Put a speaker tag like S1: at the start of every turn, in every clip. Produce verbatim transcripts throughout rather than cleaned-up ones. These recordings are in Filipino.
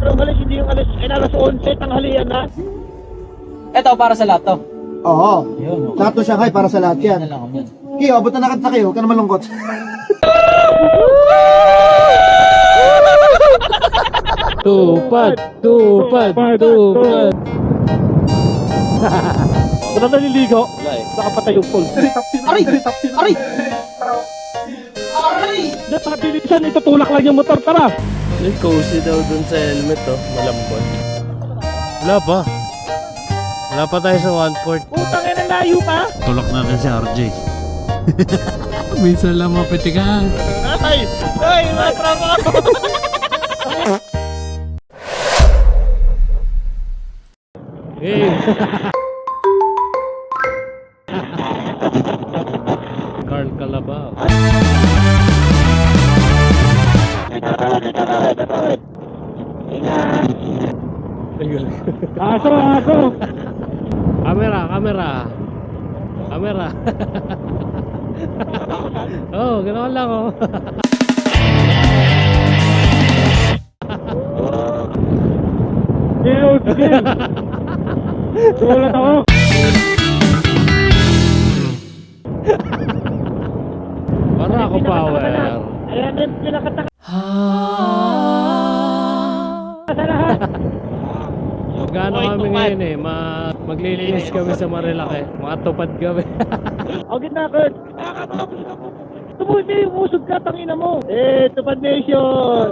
S1: Ang alis, hindi yung alis. Ay, alas onse, tanghalian na.
S2: Ito, para sa lahat to.
S3: Oo.
S2: Yun, okay.
S3: Lahat to Shanghai para sa lahat yan.
S2: Yan lang kami.
S3: Kiyo, abot na nakanta kayo. Huwag ka na malungkot.
S4: Tupad, tupad, tupad.
S1: Wala naliligo.
S2: Wala eh.
S1: Nakapatay yung pole.
S2: Aray! Aray! Aray!
S1: Dito, nakabilisan. Itutulak lang yung motor. Tara.
S4: May cozy daw dun sa helmet oh, malambot. Wala pa. Wala pa tayo sa one port.
S1: Putang ina, layo pa.
S4: Tulak natin si R J. Minsan lang mapitikan.
S1: Ay! Ay! Mga trabaho!
S4: Hey! Carl Calabao.
S1: Aso, aso!
S4: Camera, camera. Camera. Oh, ganoon lang oh.
S1: Sige, sige! Sulat ako!
S4: Para ako power.
S1: Ayan din, pinakataka sa lahat!
S4: Magkano kami ngayon eh, ma maglilinis kami sa Marilaki. Mga tupad kami.
S1: O, gitna ko! Tumuti, umusog ka, tangina mo! Eh, Tupad Nation!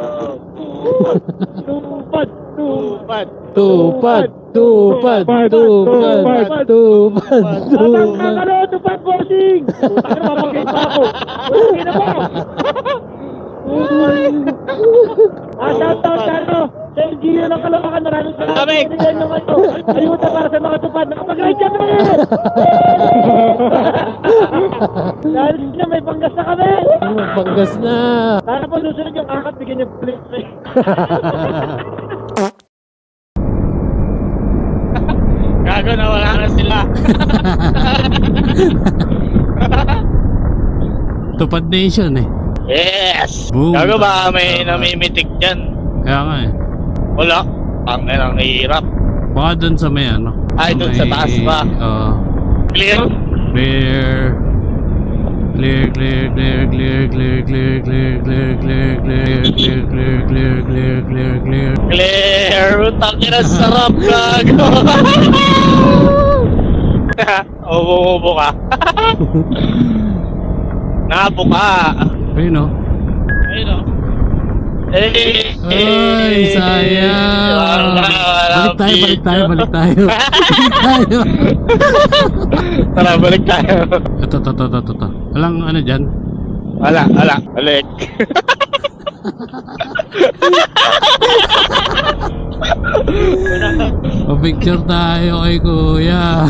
S1: Tupad! Tupad!
S4: Tupad, tupad, tupad, tupad,
S1: Atang
S4: tupad.
S1: kakalo, Tupad Bossing! Putang na, mapagay pa ako! Putang na mo! Ah, shout out sa ano? Sa L G U ng Kalawakan, maraming salamat. Binigyan nyo kayo. Ayuda para sa mga tupad. Nakapag-ride kami! Dahil na may panggas na kami!
S4: Magpanggas na.
S1: Sana po susunod yung kakat, bigyan niyo plate. Gago na, wala na sila.
S4: Tupad Nation eh.
S1: Yes!
S4: Boom.
S1: Gago ba may namimitik dyan?
S4: Kaya nga eh.
S1: Wala. Pangin ang hirap.
S4: Baka dun sa may ano.
S1: Ay, dun sa taas ba?
S4: Oo.
S1: Clear?
S4: Clear. Clear, clear, clear, clear, clear, clear, clear, clear, clear, clear, clear, clear, clear, clear, clear, clear.
S1: Clear! Tangin na sarap, gago! Ubo-ubo ka. Nabo ka.
S4: Ayun o.
S1: Ayun o. Eh,
S4: Ay, sayang. Balik tayo, balik tayo, balik tayo. Balik tayo.
S1: Tara, balik tayo.
S4: Ito, ito, ito, ito, ito. Walang ano dyan?
S1: Wala, wala. Balik.
S4: O picture tayo kay kuya.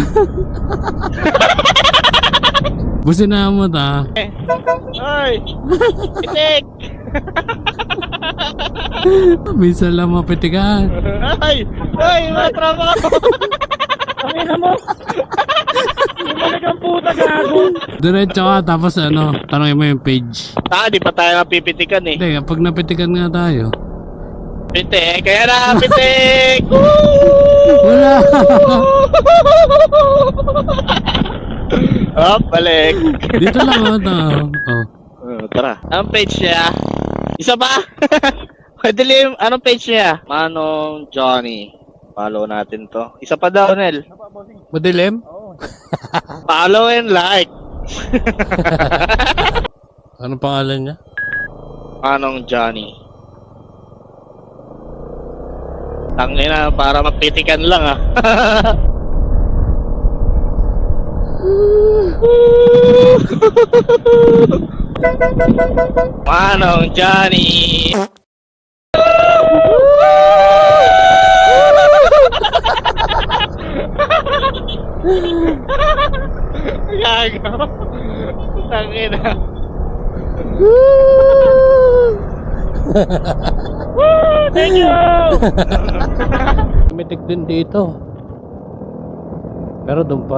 S4: Busina mo ta.
S1: Ay! Itik!
S4: Minsan lang mapitikan.
S1: Ay! Ay! Mga trabaho! Ang ina mo! Bumalik ang puta, gago!
S4: Diretso ka, tapos ano, tanongin mo yung page.
S1: Ah, di pa tayo napipitikan eh.
S4: Hindi, kapag napitikan nga tayo.
S1: Pitik! Kaya na, pitik!
S4: Wala!
S1: Oh, balik!
S4: Dito lang oh, ito. Oh.
S1: Oh, tara. Anong page niya? Isa pa? Dilim, anong page niya? Manong Johnny. Follow natin to. Isa pa daw, Nel.
S4: Madilim?
S1: Follow and like.
S4: Anong pangalan niya?
S1: Manong Johnny. Tangina, para mapitikan lang ah. Manong Johnny. Gago. Tangina. Woo! Thank you!
S4: Mitik din dito. Pero doon pa.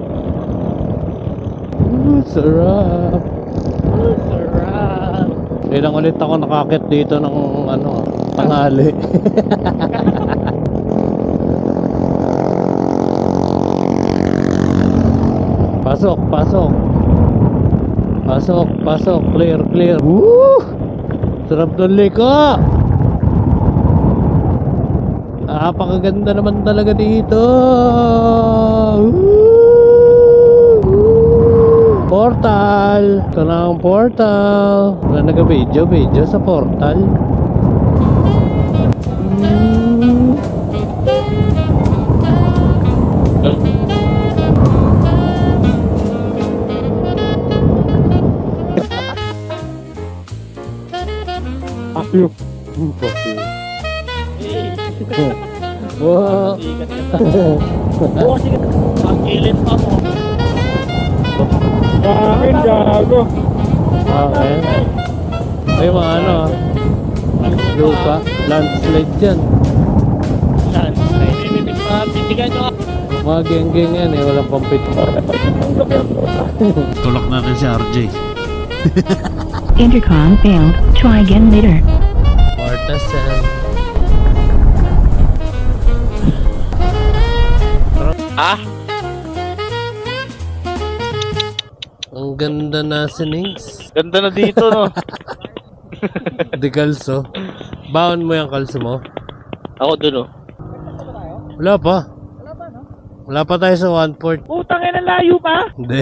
S4: Mm, sarap. Mm, sarap. Kailang ulit ako nakakit dito ng ano, tanghali. Pasok, pasok. Pasok, pasok. Clear, clear. Woo! Sarap ng liko. Napakaganda naman talaga dito. Woo! Portal. Ito na ang portal. Wala nag-video, video sa portal. Hmm. Fuck you. Fuck you. Wow.
S1: Oo, sige. Ang kilit pa mo.
S4: Bakit gago? Okay. Ay mga ano ah. Lupa. Landslide dyan.
S1: Yan. Ay, bibibig pa. Titigan nyo.
S4: Mga geng-geng yan eh. Walang pampit. Tulak natin si R J.
S5: Intercom failed. Try again later.
S4: Marta Sam.
S1: Ah?
S4: Ang ganda na sinings.
S1: Ganda na dito, no?
S4: Di kalso. Baon mo yung kalso mo?
S1: Ako dun, oh.
S4: Wala pa. Wala pa tayo sa one port.
S1: Putang ina, layo pa?
S4: Hindi.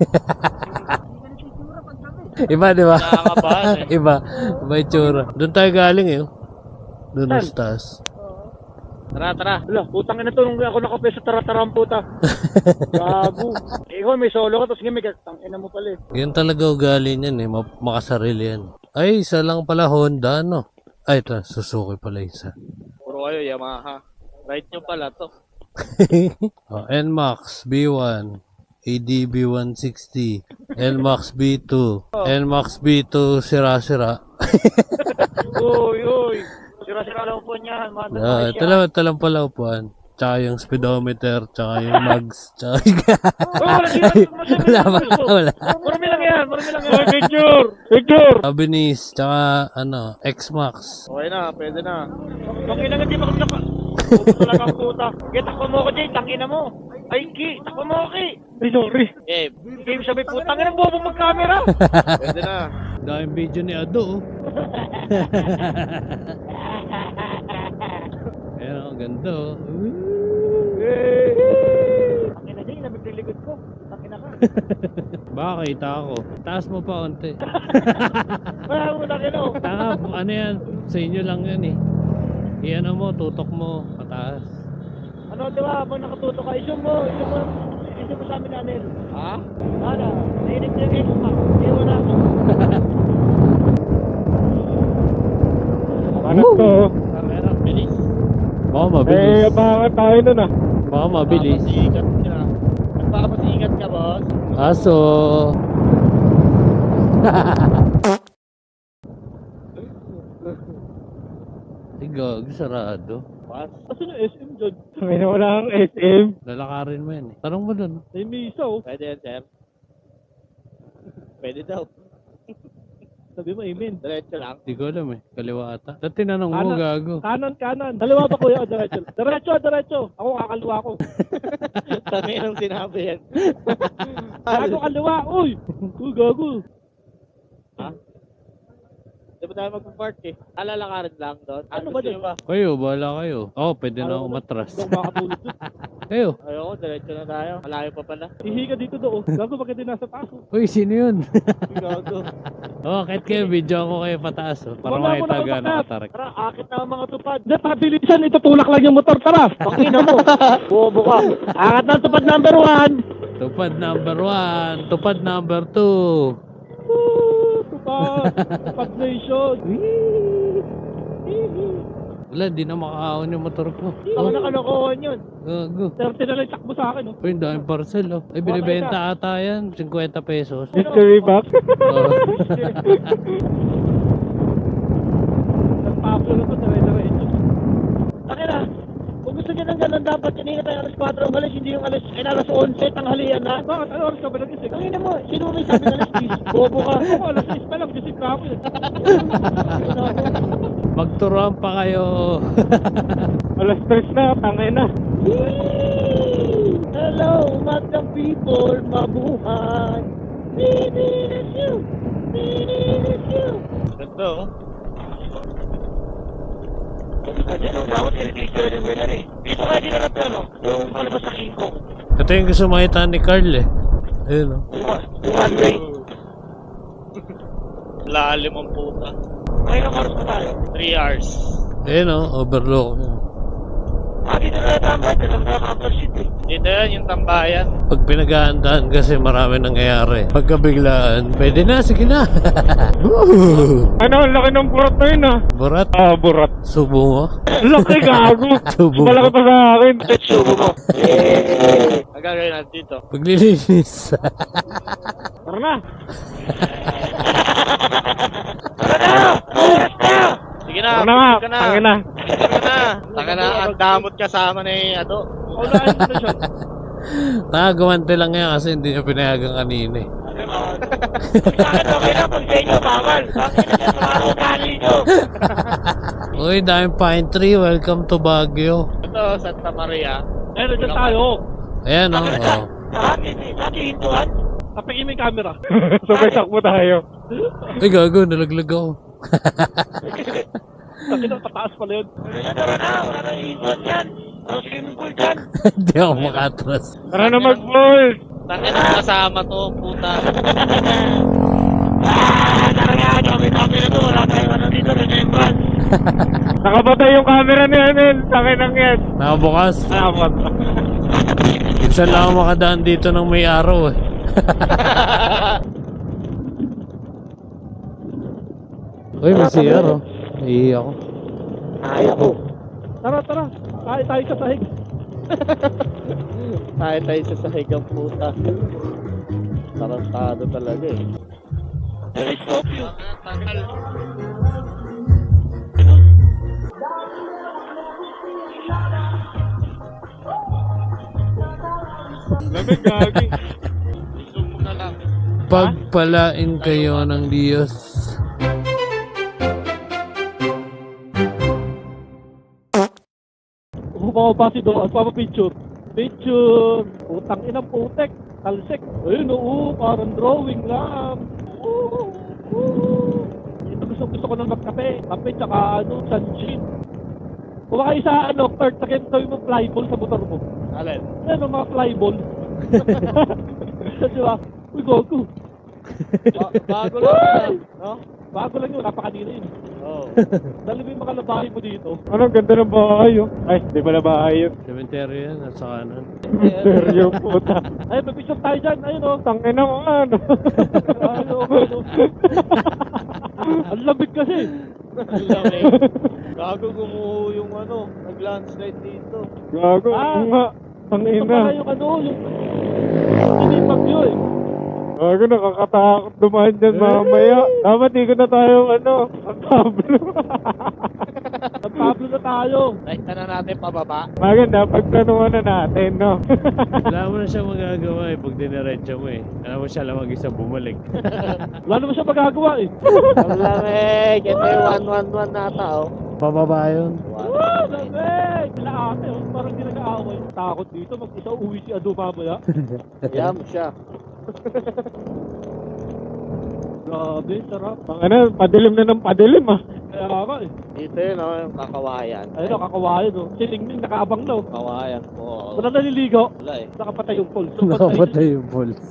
S4: Iba, di ba?
S1: Nakakabahan, eh.
S4: Iba. Iba yung tsura. Doon tayo galing eh. Doon sa taas.
S1: Tara, tara.
S2: Wala, putang ina to nung ako nakape sa tara-taram puta. Gago. Ikaw may solo ka tapos ngayon may gatang ina mo pala eh.
S4: Yan talaga ugali niyan eh. Ma- makasarili yan. Ay, isa lang pala Honda, no? Ay, ito. Suzuki pala isa.
S1: Puro kayo, Yamaha. Right nyo pala to.
S4: Oh, N MAX B one, A D B one sixty, N MAX B two, N MAX B two sira-sira.
S2: Uy, uy. Sira-sira lang po niyan. Mga
S4: Ah, ito lang, ito lang pala upuan. Tsaka yung speedometer, tsaka yung mags, tsaka yung... Wala ba? Wala.
S2: Marami lang yan, marami lang yan. Picture! Picture!
S4: Abinis, tsaka ano, X-Max.
S1: Okay na, pwede na.
S2: Ang ina nga di ba kami naka... Puto talaga ang puta. Kaya takbo mo ko, Jay. Tangina mo. Ay, Ki. Takbo mo ko, Ki. Ay, sorry.
S1: Eh,
S2: Game sabi, putang ina, bobo mag-camera.
S1: pwede na.
S4: Daming video ni Ado, oh. Ayan, ang ganda, oh.
S2: Tangina, Jay. Nabiglikod ko. Tangina ka.
S4: Baka kita ako. Taas mo pa konti.
S2: Wala mo na kino.
S4: Tanga, ano yan? Sa inyo lang yan eh. Iyan mo, tutok mo, pataas.
S2: Ano, di ba? Pag nakatuto ka, isyo mo. Isyo mo. Isyo mo sa amin, Anel.
S1: Ha?
S2: Ano? Nainip niya yung X-Max. Iwan na ako.
S4: Ano to?
S1: Camera, bilis.
S4: Baka mabilis.
S2: baka tayo nun ah.
S4: Baka mabilis.
S1: Nagpapasikat ka. Nagpapasikat ka, boss.
S4: Aso. Ay, gag, sarado.
S1: Boss.
S2: Asan yung S M dyan? May wala kang S M.
S4: Lalakarin mo yan eh. Tanong mo dun.
S2: May misa oh.
S1: Pwede yan, sir. Pwede daw.
S2: Sabi mo, amen.
S1: Diretso lang.
S4: Hindi ko alam eh. Kaliwa ata. Dati tinanong mo,
S2: Kanan.
S4: gago.
S2: Kanan, kanan. Dalawa ba kuya o diretso? Diretso, diretso. Ako kakaliwa ko.
S1: Sabi nung sinabi yan.
S2: Gago kaliwa. Uy! Uy, gago.
S1: Ha? Di ba tayo mag-park eh? Alalakarin lang doon.
S2: Ano ba dyan?
S4: Kayo, bahala kayo. Oo, oh, pwede na ako matras.
S2: Hindi ako makatulog doon.
S4: Kayo.
S1: Ayoko, diretso na tayo. Malayo pa pala.
S2: Ihi ka dito doon. Gago bakit din nasa taas?
S4: Uy, sino yun?
S1: Gago.
S4: Oo, oh, kahit kayo, video ako kayo pataas. Oh, para
S2: Wala mo
S4: makita
S2: na
S4: gano'ng
S2: umakyat.
S4: katarik.
S2: Tara, akit na ang mga tupad. Hindi, pabilisan. Itutulak lang yung motor. Tara. Pakina mo. Bobo ka. Akit na ang tupad number one.
S4: Tupad number one. Tupad number two.
S2: Woo! Tupad. Tupad nation.
S4: Wala, di na makakaon yung motor ko.
S2: Ako na kalokohan yun.
S4: Gago.
S2: thirty na lang takbo sa akin. Oh.
S4: Uy, ang daming parcel, oh. Ay, binibenta ata yan. fifty pesos.
S2: Mystery box.
S4: Oh.
S2: Nagpaplo na to. Dire-diretso. Akin na. Kung gusto niya ng ganun dapat kanina tayo alas kwatro umalis, hindi yung alas, ay alas onse, tanghalian na. Bakit? Ano oras ka ba nagising? Kanina mo, sino may sabi ng alas diyes? Bobo ka. Ako, alas diyes pa lang, gising ka ako eh.
S4: Magturuan pa kayo.
S2: Alas tres na, tangay na. Hello, magandang people, mabuhay. Binilis you, binilis you.
S1: Ganda oh.
S2: Dito kaya din na pero, yung palabas sa King Kong.
S4: Ito yung gusto makita ni Carl eh. Ayun oh.
S2: One way.
S1: Lalim ang puta.
S2: May ilang oras pa tayo.
S1: three hours.
S4: Ayun oh, overlook.
S2: Ah, dito na tambay, dito na Campbell City.
S1: Dito yan, yung tambayan.
S4: Pag pinaghahandaan kasi marami nangyayari. Pagkabiglaan, pwede na, sige na. Woo!
S2: Ano, ang laki ng burat na yun ah.
S4: Burat,
S2: Ah, burat.
S4: subo mo.
S2: Laki gago.
S4: Subo mo.
S2: Malaki pa sa akin. Subo mo.
S1: Ang gagawin natin dito.
S4: Paglilinis.
S2: Tara na. Tara na. Oras na.
S1: Sige na,
S2: Tara na nga.
S1: sige na.
S2: Tangin na.
S1: Sige na. Taka na, ang damot kasama ni Ado.
S2: Unahin mo na siya.
S4: Nakagawante lang yan kasi hindi niya pinayagan kanina eh.
S2: Bakit okay na pag sa inyo bawal? Bakit na siya sa mga ugali nyo?
S4: Uy, daming pine tree. Welcome to Baguio.
S1: Ito, Santa Maria.
S2: Eh, nandiyan tayo.
S4: Ayan oh. oh.
S2: Dati, dati hintuan. Tapikin mo yung camera. Sabay sakmo tayo.
S4: Ay, gago. Nalaglag ako.
S2: Kasi nang pataas pala yun. Tara na, wala na hintuan yan. Ang swimming pool dyan.
S4: Hindi ako makatras.
S2: Tara na mag-pool.
S1: Tangin na kasama to, puta.
S2: Ah, tara nga, dami-dami na to. Wala tayong ano dito, remembrance. Nakapatay yung camera ni Anel. Sakin lang yan.
S4: Nakabukas.
S2: Nakapatay.
S4: Minsan lang ako makadaan dito ng may araw eh. Uy, may C R oh. Naiiyak ako.
S2: Ayaw ko. Tara, tara. Tayo tayo sa sahig.
S1: Tayo tayo sa sahig ang puta. Tarantado talaga eh.
S2: I stop you. Lamig gagi.
S1: Zoom mo na lang.
S4: Pagpalain kayo ng Diyos.
S2: Umupaw pa si Doan, papapicture. Picture. Utang inang putek. Talsek. Ayun oo, parang drawing lang. Oo, oo. Ito gusto, gusto ko nang magkape. Kape tsaka ano, sunshine. Kung kayo sa ano, Kurt, sakit gawin mo flyball sa motor mo.
S1: Alin?
S2: Ano mga flyball? Di ba? Uy, gogo.
S1: Ba- bago lang yan, no?
S2: Bago lang yun, napakanina yun.
S1: Oo.
S2: Dali mo yung mga labahin mo dito. Anong ganda ng bahay yun? Ay, di ba na bahay yun?
S4: Cemetery yan, nasa kanan.
S2: Seryo puta. Ay, mapicture tayo dyan. Ayun o. Tangin na mo ano. Ano, ano. Ang lamig kasi.
S1: Ang lamig. Gago gumuho yung ano, nag-landslide dito.
S2: Gago. Ah, nga. Tangin na. Ito pala yung ano, yung... Hindi bagyo eh. Gago, nakakatakot dumaan dyan mamaya. Dapat di ko na tayo ano, ang Pablo. Ang Pablo na tayo.
S1: Nakita na natin pababa.
S2: Maganda, pagtanungan na natin, no?
S4: Wala mo na siya magagawa eh pag diniretso mo eh. Alam mo siya lang mag-isa bumalik.
S2: Wala naman siya magagawa eh.
S1: Ang lamig. Ito yung one one one nata oh.
S4: Pababa yun.
S2: Wow, lamig! Sila ate, oh, parang di nag-aaway. Takot dito, mag-isa uwi si Ado mamaya.
S1: Yam siya.
S2: Grabe, sarap. Ang ano, padilim na ng padilim ah. Kaya nga eh.
S1: Dito yun oh, yung kakawayan.
S2: Ayun o, kakawayan o. Si Ningning nakaabang na o.
S1: Kawayan po.
S2: Wala naliligo.
S1: Wala eh.
S2: Nakapatay yung pulse.
S4: Nakapatay yung pulse.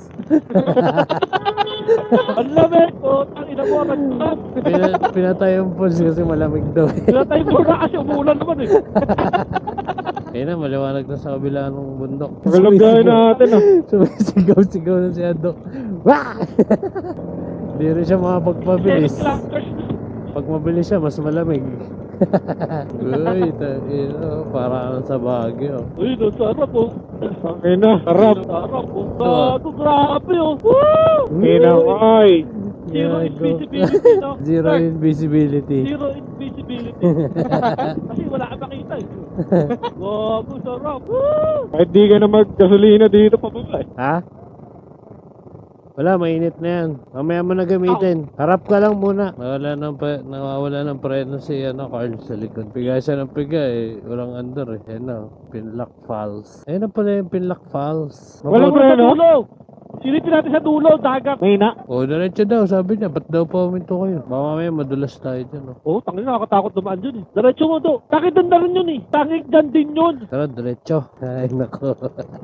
S2: Ang lamig o. Ang ina mo, nagtap.
S4: Pina- pinatay yung pulse kasi malamig daw eh.
S2: Pinatay mo na kasi umulan naman eh.
S4: Ayun na, maliwanag na sa kabila ng bundok.
S2: Magalagay natin ah.
S4: Sumisigaw-sigaw na si Ado. Wah! Hindi rin siya makapagpabilis. Pag mabilis siya, mas malamig. Uy, ito, para sa Baguio.
S2: Uy, no, sarap o. Ang ina, sarap. Sarap o. Bago, grabe o. Woo!
S4: Ina,
S2: ay. Zero
S4: Gago.
S2: invisibility, no?
S4: Zero
S2: Sir,
S4: invisibility.
S2: Zero invisibility. Kasi wala ka makita eh. Gago, sarap. Woo! Kahit di ka na maggasolina dito pa ba eh.
S4: Ha? Wala, mainit na yan. Mamaya mo na gamitin. Harap ka lang muna. Nawala ng, pre- nawawala ng preno si ano, Carl sa likod. Piga siya ng piga eh. Walang andar eh. Ayan na, Pinlock Falls. Ayan na pala yung Pinlock Falls.
S2: Walang
S4: Mabuti-
S2: preno? Sa dulo! Silipin natin sa dulo, dagat. May na.
S4: Oh, diretso daw, sabi niya. Ba't daw pa uminto kayo? Baka mamaya madulas tayo dyan. Oh.
S2: Oo, oh, tangin nakakatakot dumaan dyan eh. Diretso mo do. Takit doon na rin yun eh. Tangik dyan din yun.
S4: Tara, diretso. Ay, nako.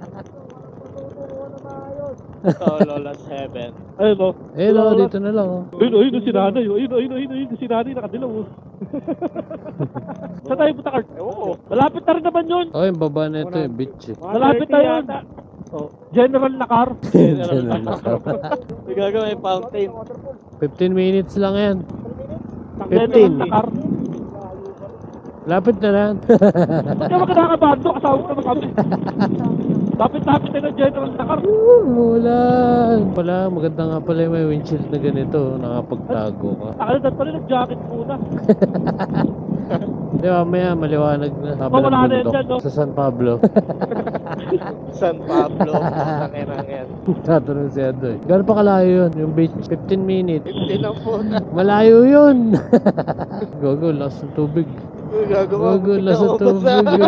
S1: Oh, Lola's Heaven.
S2: Ayun o.
S4: Eh, no, dito na lang. Oh.
S2: Ayun o, ayun o si nanay. Ayun o, ayun o, ayun o, ayun o si nanay. Nakadilaw o. Saan tayo punta, Kart? Oo. Malapit na rin naman yun.
S4: Oh, yung baba na ito, yung beach eh.
S2: Malapit na yun. Oh, General Nakar.
S4: General Nakar.
S1: May gagawin may fountain.
S4: fifteen minutes lang yan.
S2: General
S4: fifteen.
S2: Nakar.
S4: Lapit na lang.
S2: Ba't ka magkakabando? Kasama ko naman kami. Lapit-lapit na ng General Nakar.
S4: Mulan. Pala, maganda nga pala yung may windshield na ganito. Nakapagtago ka.
S2: Takala dad pala nag-jacket muna.
S4: Di ba, maya maliwanag na.
S2: Oh,
S4: Kabilang
S2: wala na yan
S4: bundok.
S2: dyan, no?
S4: Sa San Pablo.
S1: San Pablo. Tanginang yan.
S4: Tatanong si Ado eh. Gano'n pa kalayo yun? Yung beach, fifteen minutes.
S1: Hindi na po na.
S4: Malayo yun. Gogo, lakas ng tubig.
S1: Gagawa
S4: Gogo, lakas ng tubig.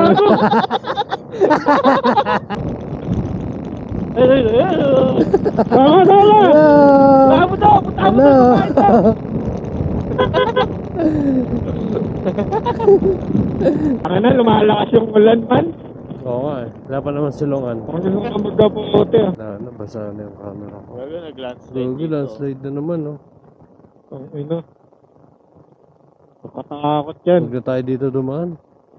S2: Ayun, ayun, ayun. Tama, tama. Tama mo daw, punta mo
S4: Hello.
S2: daw. Ang na, lumalakas yung ulan man.
S4: Oo nga eh. Wala pa naman silungan.
S2: Ang gusto ko magkaputi ah.
S4: Na, nabasa na yung camera ko.
S1: Gago, nag-landslide
S4: Gogo, landslide na naman oh.
S2: Ang ina. Nakatakot yan.
S4: Huwag na tayo dito dumaan.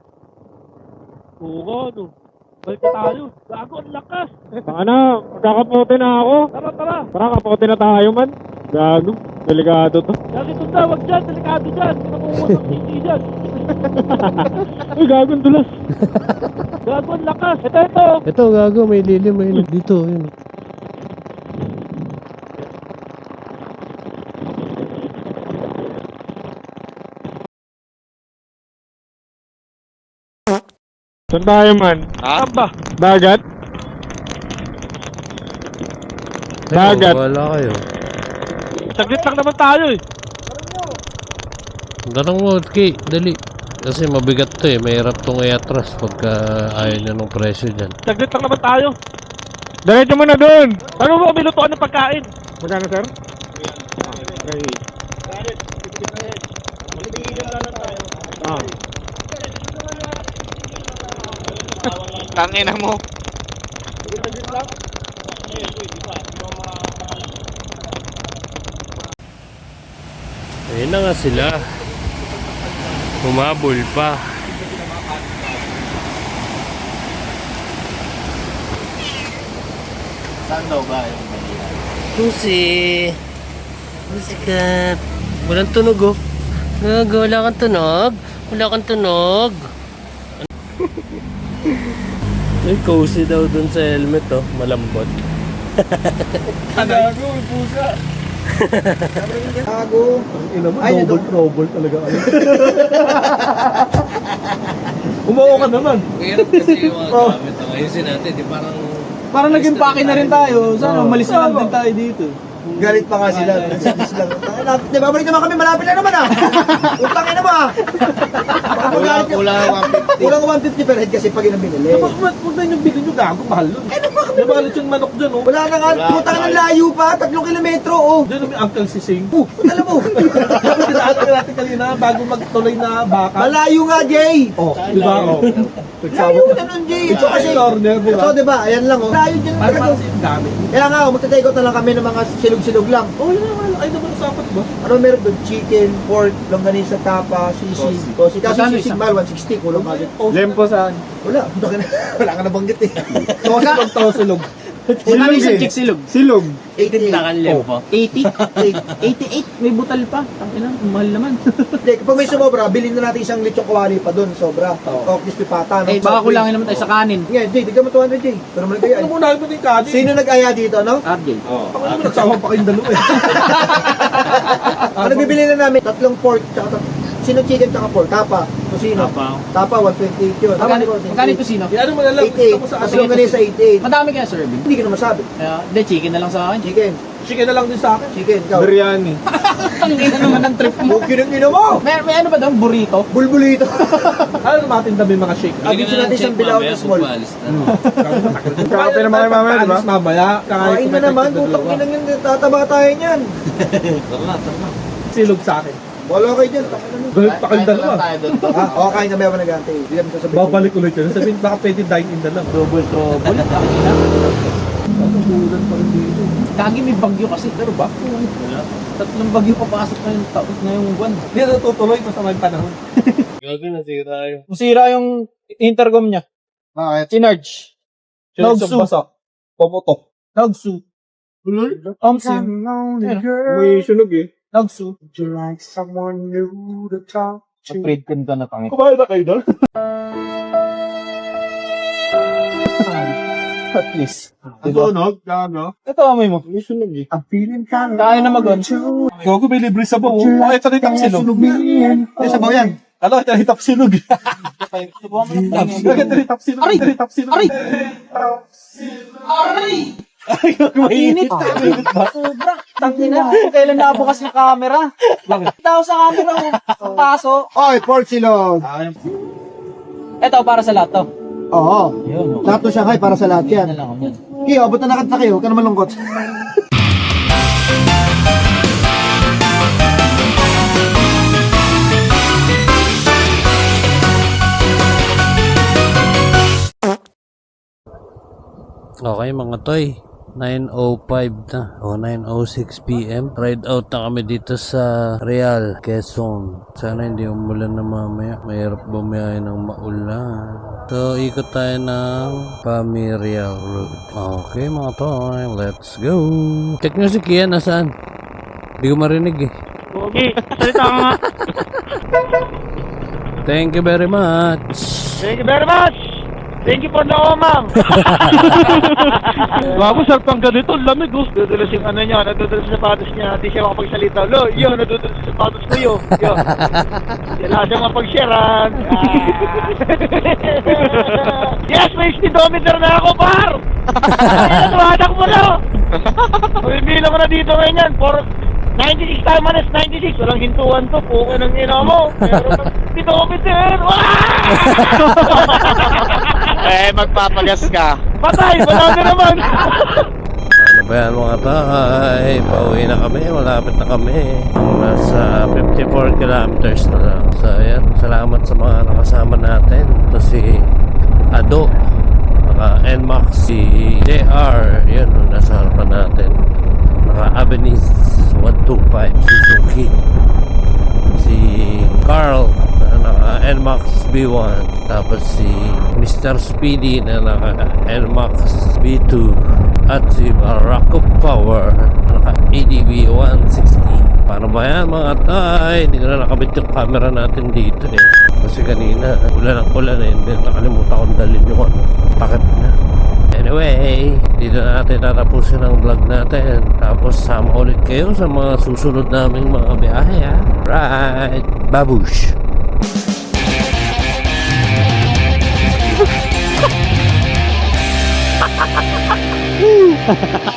S2: Oo nga, no. Balik na tayo. Gago, ang lakas. Baka na, magkakapote na ako. Tara, tara. Tara, kapote na tayo man. Gago, delikado to. Gago, ito na, wag dyan, delikado dyan. Nakuha ng sisi dyan. Uy, gago, ang dulas. Gago, ang lakas. Ito, ito.
S4: Ito, gago, may lilim, may lilim. Dito, yun.
S2: Saan tayo man?
S1: Ha?
S2: Aba, dagat? Dagat.
S4: Eko, wala kayo.
S2: Saglit lang naman tayo eh.
S4: Tanong mo, Ki, dali. Kasi mabigat to eh, mahirap tong i-atras pagka ayaw niya ng presyo dyan.
S2: Saglit lang naman tayo. Diretso mo na doon. Ano mo, may lutuan ng pagkain. Magkano, sir? Ah.
S1: Tangina mo.
S4: Ayun na nga sila. Humabol pa.
S1: Saan daw ba yung Manila?
S4: Pusi. Pusi ka. Walang tunog oh. Gago, wala kang tunog. Wala kang tunog. Ay, cozy daw dun sa helmet oh. Malambot.
S1: Gago, may pusa.
S3: Gago.
S2: Ina mo,
S3: Ay,
S2: double
S3: nandun.
S2: trouble talaga. Umuo ka naman.
S4: Mahirap kasi yung mga
S3: Oh.
S4: gamit. Oh. Ayusin natin, di parang...
S3: Parang naging pake na rin tayo. Sana
S2: Oo.
S3: umalis na lang din tayo dito. Galit pa nga sila. Nagsisis lang. Di ba, balik naman kami. Malapit lang naman ah. Utangin na mo ah.
S1: Kulang, kulang one fifty.
S3: Kulang one fifty per head kasi pag yun ang binili.
S2: Huwag na yung bilhin nyo, gago, mahal nun.
S3: Eh, ano ba kami?
S2: Nabalit yung manok dyan, oh.
S3: Wala na nga.
S1: Wala.
S3: Putang ng layo pa. Tatlong kilometro oh.
S2: Dyan yung Uncle Sising.
S3: Uh, alam mo.
S2: Dapat tinaatin natin kanina bago magtuloy na baka.
S3: Malayo nga, Jay.
S2: Oh, di ba? Oh.
S3: Layo na nun, Jay. Ito kasi.
S2: Corner, di ba?
S3: Ito, di ba? Ayan lang oh. Layo dyan
S2: Para
S3: talaga.
S2: para sa yung gamit.
S3: Kaya nga, oh, magta-take out na lang kami ng mga silog-silog lang.
S2: Oh, yun naman. Ay, naman usapan, di ba?
S3: Ano meron doon? Chicken, pork, longganisa, tapa, sisig. Tosi. Kasi
S2: Magkano
S3: sisig
S2: isa?
S3: mahal, one sixty. Kulang agad.
S2: Lempo saan?
S3: Wala. Wala ka nabanggit eh.
S2: Tosilog, tosilog.
S6: Magkano isang chick silog?
S3: Silog. eighty-eight.
S6: Takalem po. eighty? eighty-eight? May butal pa. Tangina, ang mahal naman.
S3: Hindi, kapag may sumobra, bilhin na natin isang lechong kawali pa doon, sobra. O, crispy pata. no?
S6: Eh, baka kulangin naman tayo sa kanin.
S3: Nga, Jay, di ka mo two hundred, Jay. Pero naman kayo.
S2: Ano muna mo din kadi?
S3: Sino nag-aya dito, no?
S6: R J.
S2: Ako naman nagsama pa kayong dalawa eh.
S3: Ano bibili na namin? Tatlong pork, tsaka tat- sino chicken tsaka pork? Tapa. Sino?
S6: Tapa.
S3: Tapa, one twenty-eight yun. Tama,
S6: Magkano
S3: di ba?
S6: magkano ito sino?
S2: Yan mo na lang.
S3: eighty-eight.
S2: Gusto mo sa
S3: Tapos
S2: atin.
S3: yung ganun sa eighty-eight.
S6: Madami kaya serving.
S3: Hindi ko na masabi.
S6: Kaya, hindi, chicken na lang sa akin.
S3: Chicken.
S2: Chicken na lang din sa akin.
S3: Chicken, ikaw.
S2: Biryani.
S6: Tangina naman ang trip mo.
S3: Okay ng ino mo!
S6: May, may ano ba doon? Burrito?
S3: Bulbulito.
S2: Ano natin dami mga shake?
S3: Abis natin siyang bilaw na small.
S2: Kakape naman kayo mamaya, di ba? Mamaya.
S3: Kain na naman, putang inang yun, tataba tayo niyan.
S2: Silog sa akin.
S3: Wala kayo dyan, takin na nun.
S2: Galit pa kayong dalawa.
S3: Ha? O, kain kami ako nag-ante. Hindi kami sasabihin.
S2: Babalik ulit yun. Sabihin, baka pwede dine in na lang.
S6: Double trouble. Tangina.
S2: Patutulan pa rin dito.
S6: Kagi may bagyo kasi. Pero ba? Tatlong bagyo papasok na yung taon na yung buwan.
S2: Hindi na tutuloy basta may panahon.
S6: Masira yung intercom niya.
S3: Bakit?
S6: Si Narge. Nogsu.
S2: Basak. Paputok.
S6: Nogsu. Omsi.
S2: May sunog eh.
S6: Nogsu.
S3: Would you like someone new to talk to?
S6: Mag-trade ka na tangi.
S2: Kumain na kayo doon?
S6: At least.
S2: Sunog? Gago?
S6: Ito amoy mo.
S2: May sunog eh.
S3: I'm feeling kind of
S6: Kaya na mag-on.
S2: Gago, may libre sa buo. Bakit sa ritap silog?
S3: Eh, sabaw yan.
S2: Ano, ito ritap silog. Bakit ritap silog? Aray! Ritap silog.
S6: Aray! Aray! Mainit. Sobra. Tangina. Kung kailan nabukas na camera.
S2: Bakit?
S6: Tao sa camera mo. Paso.
S3: Oy, pork silog.
S6: Ito para sa lahat to.
S3: Oo.
S6: Yun.
S3: Lahat to Shanghai para sa lahat yan.
S6: Yan lang ako yan.
S3: Kiyo, abot na nakanta kayo. Huwag ka naman lungkot.
S4: Okay mga toy, nine oh five na o nine oh six p m Ride out na kami dito sa Real, Quezon. Sana hindi umulan na mamaya. Mahirap bumiyahe ng maulan. So ikot tayo ng Pamirial Road. Okay mga toy, let's go. Check nyo si Kia, nasaan? Hindi ko marinig eh.
S1: Okay, salita ka nga.
S4: Thank you very much.
S1: Thank you very much. Thank you for the omang.
S2: Gago, sarpang ganito. Lamig oh.
S1: Nadudulas yung ano niya, nadudulas sa sapatos niya. Di siya makapagsalita. Lo, yun, nadudulas sa sapatos ko yun. Yun. Wala siya mapag-sharean. Ah. Yes, may speedometer na ako, par! Natuwadak mo na! Bibilang ko na dito ngayon yan. For ninety-six tayo manas, ninety-six. Walang hintuan to. Puko ng ina mo. Pero speedometer. Eh, magpapagas ka. Patay, wala na naman.
S4: Ano ba yan mga tay? Pauwi na kami, malapit na kami. Nasa fifty-four kilometers na lang. So ayan, salamat sa mga nakasama natin. Ito si Ado, naka N MAX, si J R, yun, nasa harapan natin. Naka Avenis one two five Suzuki. Si Carl, na naka N MAX B one. Tapos si Mister Speedy na naka N MAX B two. At si Barako Power naka A D B one sixty. Paano ba yan mga tay? Hindi ko na nakabit yung camera natin dito eh. Kasi kanina ulan ang ulan eh. Hindi nakalimutan kong dalhin yung ano, takip na. Anyway, dito na natin tatapusin ang vlog natin. Tapos sama ulit kayo sa mga susunod naming mga biyahe ha. Right, babush! Ha ha ha ha!